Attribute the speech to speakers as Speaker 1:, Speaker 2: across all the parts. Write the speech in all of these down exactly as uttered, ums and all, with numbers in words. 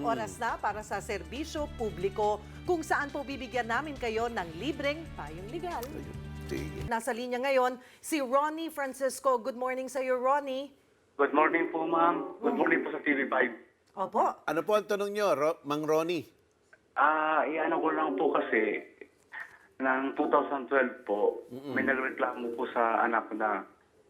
Speaker 1: oras na para sa serbisyo publiko kung saan po bibigyan namin kayo ng libreng payong legal.
Speaker 2: Sige.
Speaker 1: Nasa linya ngayon si Ronnie Francisco. Good morning sa iyo, Ronnie.
Speaker 3: Good morning po, ma'am. Good morning po sa T V five.
Speaker 1: Opo.
Speaker 2: Ano po ang tanong nyo, Ro- Mang Ronnie?
Speaker 3: Ah, iano ko lang po kasi, ng two thousand twelve po, may nagreklamo po sa anak ko na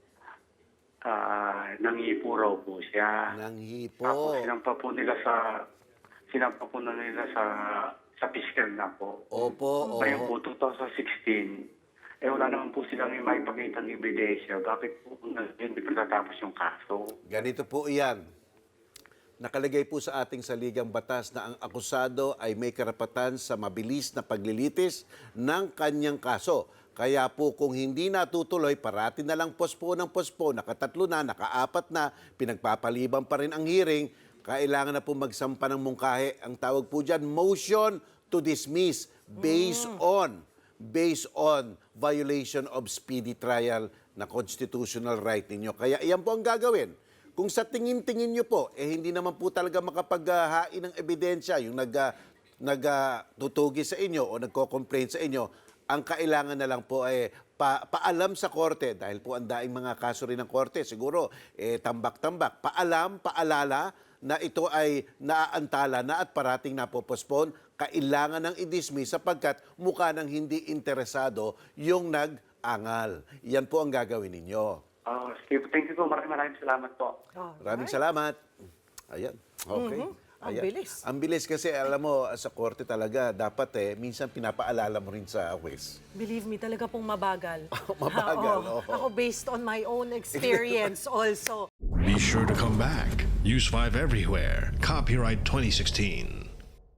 Speaker 3: ah, nangipo raw po siya.
Speaker 2: Nang
Speaker 3: Tapos
Speaker 2: hipo.
Speaker 3: sinampa po nila sa, sinampa po na nila sa, sa piskal na po.
Speaker 2: Opo,
Speaker 3: Ngayon po,
Speaker 2: opo.
Speaker 3: two thousand sixteen, eh wala naman po silang may pakita ng ebidensya. Bakit po hindi pa natatapos yung kaso?
Speaker 2: Ganito po iyan. Nakalagay po sa ating saligang batas na ang akusado ay may karapatan sa mabilis na paglilitis ng kanyang kaso. Kaya po kung hindi natutuloy, parati na lang pospo ng pospo, nakatatlo na, nakaapat na, pinagpapaliban pa rin ang hearing, kailangan na po magsampa ng mungkahi. Ang tawag po dyan, motion to dismiss based on based on violation of speedy trial na constitutional right ninyo. Kaya iyan po ang gagawin. Kung sa tingin-tingin nyo po, eh hindi naman po talaga makapaghain ng ebidensya yung nag, uh, nagtutugi sa inyo o nagko-complain sa inyo, ang kailangan na lang po ay pa, paalam sa korte, dahil po ang daing mga kaso rin ng korte, siguro eh, tambak-tambak, paalam, paalala na ito ay naaantala na at parating napopospon, kailangan ng i-dismiss sapagkat mukha ng hindi interesado yung nag-angal. Yan po ang gagawin ninyo.
Speaker 3: Ah, sige po. Thank you po. Maraming maraming salamat po.
Speaker 2: Maraming salamat. Ayan. Okay.
Speaker 1: Mhm. Ang
Speaker 2: Ayan.
Speaker 1: bilis.
Speaker 2: Ang bilis kasi alam mo sa korte talaga dapat eh minsan pinapaalala mo rin sa juez.
Speaker 1: Believe me, talaga pong mabagal.
Speaker 2: Mabagal,
Speaker 1: Oo.
Speaker 2: oo.
Speaker 1: Ako based on my own experience also.
Speaker 4: Be sure to come back. Use five everywhere. Copyright twenty sixteen.